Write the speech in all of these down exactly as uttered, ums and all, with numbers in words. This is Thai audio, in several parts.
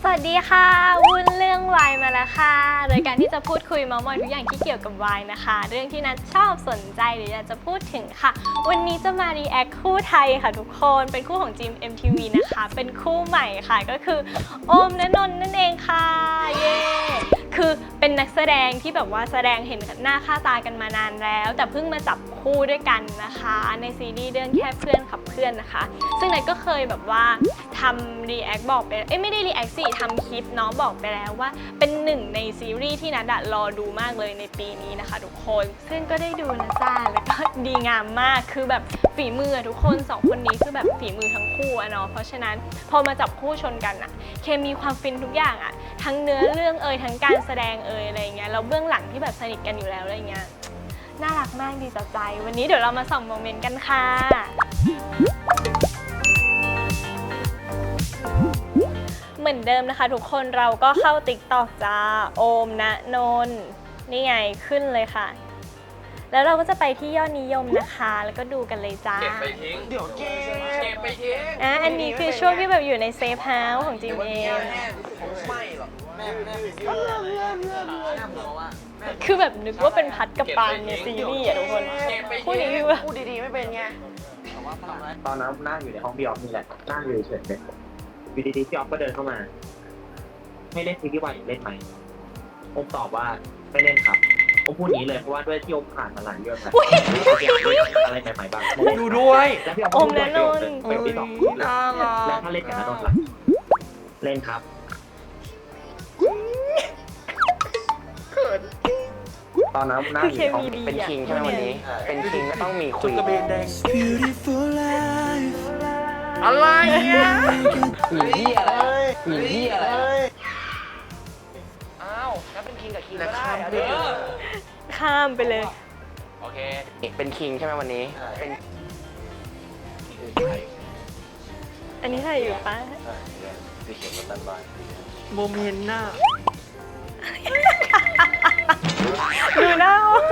สวัสดีค่ะวุ้นเรื่องวายมาแล้วค่ะโดยการที่จะพูดคุยเมาท์มอยทุกอย่างที่เกี่ยวกับวายนะคะเรื่องที่นัทชอบสนใจหรืออยากจะพูดถึงค่ะวันนี้จะมารีแอคคู่ไทยค่ะทุกคนเป็นคู่ของจิม เอ็ม ที วี นะคะเป็นคู่ใหม่ค่ะก็คือโอมณนนท์นั่นเองค่ะเย้คือเป็นนักแสดงที่แบบว่าแสดงเห็นหน้าค่าตากันมานานแล้วแต่เพิ่งมาจับคู่ด้วยกันนะคะในซีรีส์เรื่องแค่เพื่อนขับเพื่อนนะคะซึ่งนัทก็เคยแบบว่าทำรีแอคบอกไปเอ้ยไม่ได้รีแอคสิทำคลิปเนาะบอกไปแล้วว่าเป็นหนึ่งในซีรีส์ที่นัทรอดูมากเลยในปีนี้นะคะทุกคนซึ่งก็ได้ดูนะจ้าแล้วก็ดีงามมากคือแบบฝีมือทุกคนสองคนนี้คือแบบฝีมือทั้งคู่อะเนาะเพราะฉะนั้นพอมาจับคู่ชนกันอะเคมีความฟินทุกอย่างอะทั้งเนื้อเรื่องเอ่ยทั้งการแสดงเอ่ยอะไรเงี้ยแล้วเบื้องหลังที่แบบสนิทกันอยู่แล้วอะไรเงี้ยน่ารักมากดีต่อใจวันนี้เดี๋ยวเรามาส่องโมเมนต์กันค่ะเหมือนเดิมนะคะทุกคนเราก็เข้า ติ๊กต็อก จ้าโอมณนนท์นี่ไงขึ้นเลยค่ะแล้วเราก็จะไปที่ยอดนิยมนะคะแล้วก็ดูกันเลยจ้าเก็บไปทิ้งเดี๋ยวเก็บเก็บไปทิ้งอ่ะอันนี้คือช่วงที่แบบอยู่ในเซฟเฮาส์ของจิมเอมไม่หรอกแม่แม่คือแบบนึกว่าเป็นพัดกับปานในซีรีส์อะทุกคนพูดอย่างนี้ว่าพูดดีๆไม่เป็นไงตอนนั้นนั่งอยู่ในห้องพี่ออฟนี่แหละนั่งอยู่เฉยๆเลยอยู่ดีๆพี่ออฟก็เดินเข้ามาให้เล่นซีรีส์วายเล่นไหมผมตอบว่าไม่เล่นครับผมพูดอย่างนี้เลยเพราะว่าด้วยที่อมผ่านมาหลายเรื่องแล้วอะไรใหม่ๆบ้างดูด้วยแล้วพี่ออฟพูดด้วยเป็นที่สองแล้วถ้าเล่นกับนนท์ล่ะเล่นครับตอนนั้นนั่งอยู่ในห้องเป็นคิงใช่ไหมวันนี้เป็นคิงก็ต้องมีคุยอะไรเนี่ยหนีเหี้ยอะไรหนีเหี้ยอะไรอ้าวแล้วเป็นคิงกับคิงก็ได้เดี๋ยวข้ามไปเลยโอเคเป็นคิงใช่ไหมวันนี้เป็นอันนี้ใครอยู่ปะสีเขียวกับตันบายโมเมนต์น่ะดูหน้า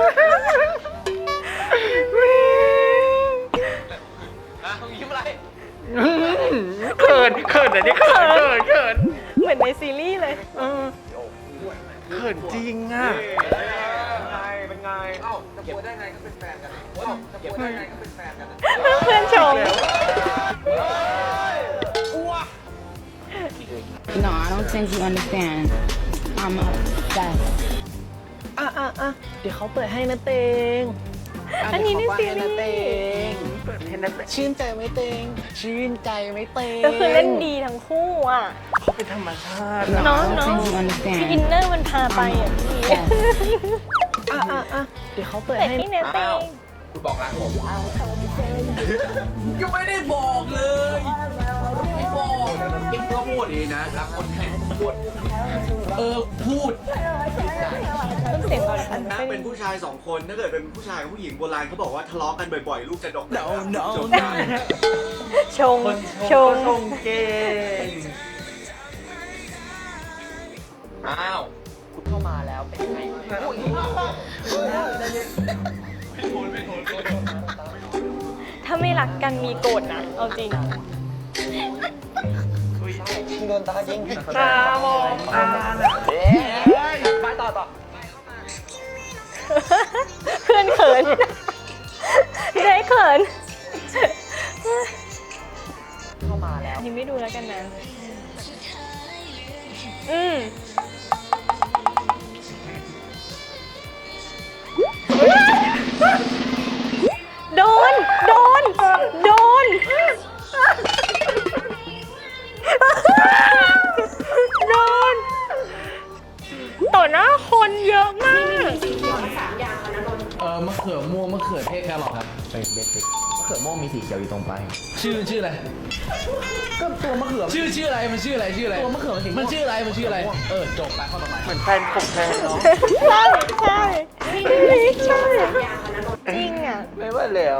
อ่ะยิ้มอะไรเขินเขินอันนี้เขินเขินเขินเหมือนในซีรีส์เลยเขินจริงอ่ะเป็นไงเป็นไงเอ้าจะป่วยได้ไงก็เป็นแฟนกันเอ้าจะป่วยได้ไงก็เป็นแฟนกันเพื่อนชม No, I don't think you understand. I'm obsessed. อ่ะอ่ะอ่ะเดี๋ยวเขาเปิดให้นะเตงอันนี้ในซีรีส์เปิดให้นะเตงชื่นใจไหมเตงชื่นใจไหมเตงก็คือเล่นดีทั้งคู่อ่ะเขาเป็นธรรมชาติเนาะเนาะคืออินเนอร์มันพาไปอ่ะพี่อ่ะอ่ะอ่ะเดี๋ยวเขาเปิดให้ที่เนเตงคุณบอกรักผมยังไม่ได้บอกเลยไม่บอกกิ๊กก็พูดดีนะรักคนแค่พูดเออพูดต้องเสียงก่อนค่ะนะเป็นผู้ชายสองคนถ้าเกิดเป็นผู้ชายกับผู้หญิงโบราณเขาบอกว่าทะเลาะกันบ่อยๆลูกจะดก no no ชงชงชงเก่งอ้าวคุณเข้ามาแล้วเป็นไงถ้าไม่รักกันมีโกรธนะเอาจริงโดนตายิงตามองตาเอ๊ะไปต่อต่อเพื่อนเขินได้เขินเข้ามาแล้วนี่ไม่ดูแล้วกันนะอืมโดนโดนโดนโดนต่อหน้าคนเยอะมากเออมะเขือม่วงมะเขือเทศแครอทครับเป็นเบสิกมะเขือม่วงมีสีเขียวอยู่ตรงปลายชื่อชื่ออะไรก็ตัวมะเขือชื่อชื่ออะไรมันชื่ออะไรชื่ออะไรตัวมะเขือมันชื่ออะไรมันชื่ออะไรเออจบไปข้อต่อไปเหมือนแฟนผมแทนเนาะใช่ใช่ใช่จริงอ่ะไม่ว่าแล้ว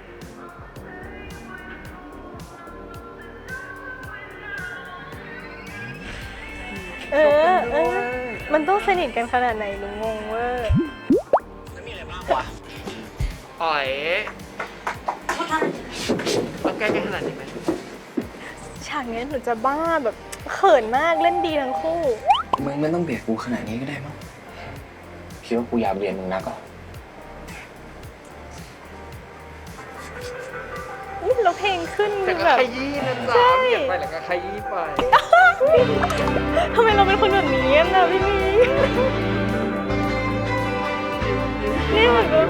เออเออมันต้องสนิทกันขนาดไหนลุงงงเวอร์จะมีอะไรบ้างวะอ๋อยต้องแก้กันขนาดนี้ไหมใช่ากเนี้ยหนูจะบ้าแบบเขินมากเล่นดีทั้งคู่มึงไม่ต้องเบียดกูขนาดนี้ก็ได้มั้งคิดว่ากูอยากเรียนมึงนักเหรอนี่เราเพลงขึ้นแต่คือก็แบบขยี้นะใช่จ๊ะเบียดไปแล้วก็ขยี้ไปทำไมเราเป็นคนแบบนี้กันนะพี่มีนี่เหมือนแบบ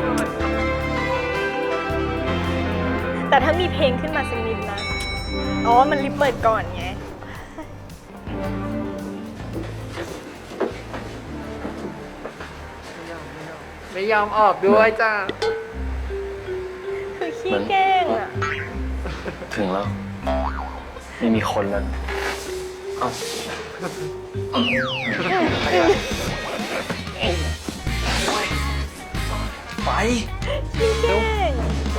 แต่ถ้ามีเพลงขึ้นมาสักนิดนะ อ๋อ มันรีบเปิดก่อนไงไม่ยอมออกด้วยจ้าคือขี้แกล้งอ่ะถึงแล้ว ไม่มีคนแล้วเอ้า ไปขี้แกล้ง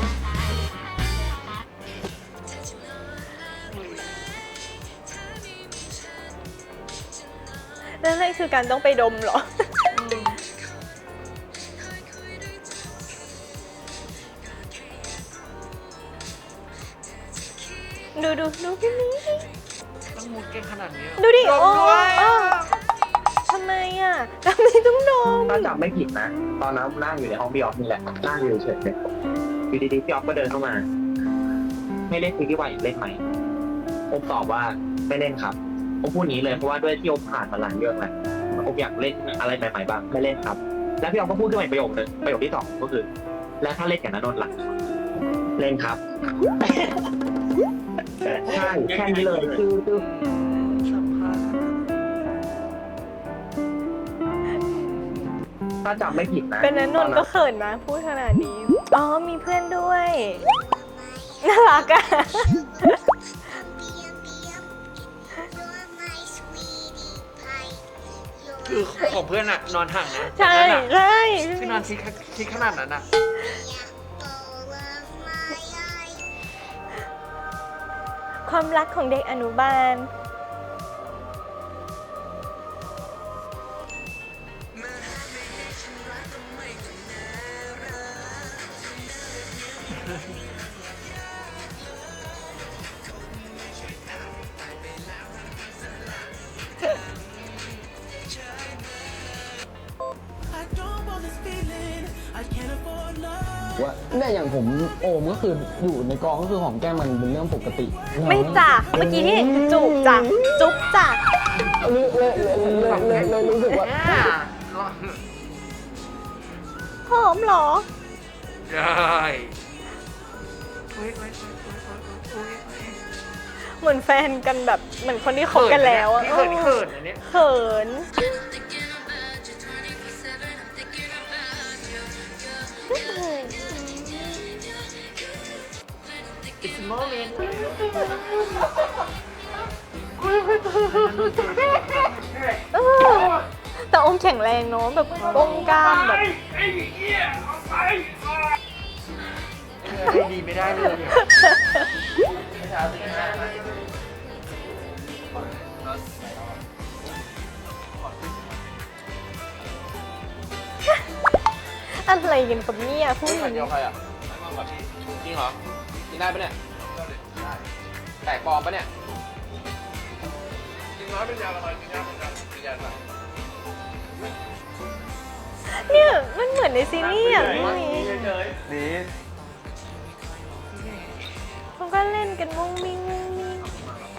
แล้วนั่นคือการต้องไปดมเหรอ ดูดูดูพี่มีต้องมุดเก่งขนาดนี้เหรอดูดิดโอ้มด้วยโอ้ทำไมอ่ะทำไมต้องดมถ้าจำไม่ผิดนะ ตอนนั้นนั่งอยู่ในห้องพี่ออฟนี่แหละนั่งอยู่เฉยๆอยู่ดีๆพี่ออฟก็เดินเข้ามา ไม่เล่นซีรีส์วายอีกเล่นไหมโอมตอบว่าไม่เล่นครับโอมพูดอย่างนี้เลยเพราะว่าด้วยที่โอมผ่านมาหลายเรื่องแล้วโอมอยากเล่นอะไรใหม่ๆบ้างไม่เล่นครับ แล้วพี่ออฟก็พูดขึ้นมาอีกประโยคนึงประโยคที่สองก็คือ แล้วถ้าเล่นกับณนนท์ล่ะเล่นครับ ใช่แค่นี้เลยคือคือสัมภาษณ์ถ้าจำไม่ผิดนะเป็นนันนนท์ก็เขินนะพูดขนาดนี้ อ๋อมีเพื่อนด้วย น่ารักอ่ะคือของเพื่อนอะนอนห่างนะใช่นั่นอะใช่ที่นอนชิดชิดขนาดนั้นอะความรักของเด็กอนุบาลว่าเนี่ยอย่างผมโอมก็คืออยู่ในกองก็คือหอมแก้มมันเป็นเรื่องปกติไม่จ้ะเมื่อกี้ที่เห็นคือจูบจ้ะจุ๊บจ้ะเลยเลยเลยเลยเลยรู้สึกว่าอ่าหอมเหรอได้อุ๊ยอุ๊ยอุ๊ยอุ๊ยอุ๊ยเหมือนแฟนกันแบบเหมือนคนที่คบกันแล้วอะนี่เขินนี่เขินอันเนี้ยเขิน It's a moment เออแต่อมแข็งแรงเนาะแบบป้องกล้ามแบบให้ดีไม่ได้เลยอะอะไรกันกับเนี่ยพูดอย่างเดีนี้ยวใครอ่ะจริงเหรอกินได้ปะเนี่ยแตกปลอมปะเนี่ยกินน้อยเป็นยาละลายกินยาเป็นยาเป็นยาละเนี่ยมันเหมือนในซีรีส์อ่ะพี่มีนี่เขาก็เล่นกันมุ้งมิ้งมุ้งมิ้ง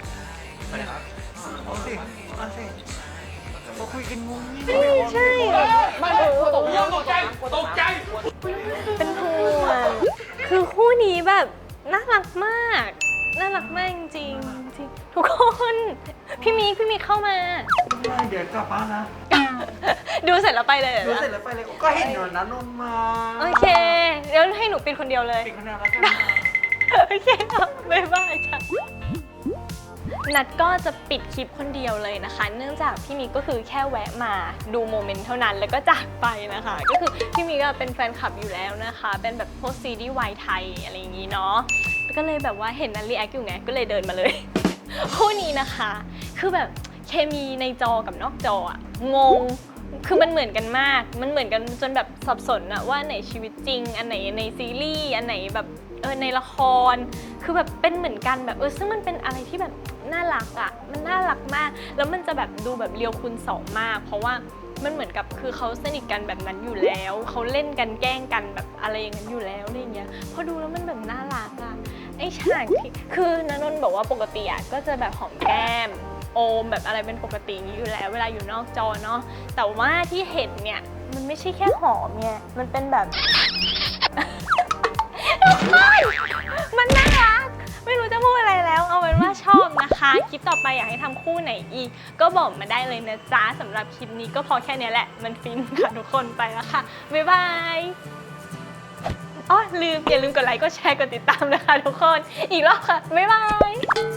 เอาสิเอาสิมาคุยกันงงนี่ไม่ใช่ไม่ตกใจตกใจตกใจเป็นห่วงคือคู่นี้แบบน่ารักมาก น่ารักมากจริงๆจริงทุกคนพี่มีพี่มีเข้ามาเดี๋ยวกลับบ้านนะดูเสร็จแล้วไปเลยหรอดูเสร็จแล้วไปเลยก็เห็นอยู่นะนนท์มาโอเคเดี๋ยวให้หนูปิดคนเดียวเลยปิดคะแนนแล้วกันนะโอเคครับบ๊ายบายจ้ะนัดก็จะปิดคลิปคนเดียวเลยนะคะ เนื่องจากพี่มีก็คือแค่แวะมาดูโมเมนต์เท่านั้นแล้วก็จากไปนะคะ ก็คือพี่มีก็เป็นแฟนคลับอยู่แล้วนะคะ เป็นแบบพวกซีรีส์วายไทยอะไรอย่างนี้เนาะก็เลยแบบว่าเห็นนัดรีแอคอยู่ไงก็เลยเดินมาเลย คู่นี้นะคะ คือแบบเคมีในจอกับนอกจออะงง คือมันเหมือนกันมาก มันเหมือนกันจนแบบสับสนอะว่าไหนชีวิตจริง อันไหนในซีรีส์ อันไหนแบบเออในละคร คือแบบเป็นเหมือนกันแบบเออซึ่งมันเป็นอะไรที่แบบน่ารักอะมันน่ารักมากแล้วมันจะแบบดูแบบเรียวคูณสองมาก เพราะว่ามันเหมือนกับคือเขาสนิทกันแบบนั้นอยู่แล้วเขาเล่นกันแกล้งกันแบบอะไรอย่างนั้นอยู่แล้วอะไรเงี้ยพอดูแล้วมันแบบน่ารักอะไอ้ฉากที่คือนนนท์บอกว่าปกติอะก็จะแบบหอมแก้มโอมแบบอะไรเป็นปกติอย่างนี้อยู่แล้วเวลาอยู่นอกจอเนาะแต่ว่าที่เห็นเนี่ยมันไม่ใช่แค่หอมไงมันเป็นแบบ มันน่ารักไม่รู้จะพูดอะไรแล้วเอาเป็นว่าชอบนะคะคลิปต่อไปอยากให้ทำคู่ไหนอีกก็บอกมาได้เลยนะจ๊ะสำหรับคลิปนี้ก็พอแค่นี้แหละมันฟินค่ะทุกคนไปแล้วค่ะบ๊ายบายอ๋อลืมอย่าลืมกดไลค์กดแชร์กดติดตามนะคะทุกคนอีกรอบค่ะบ๊ายบาย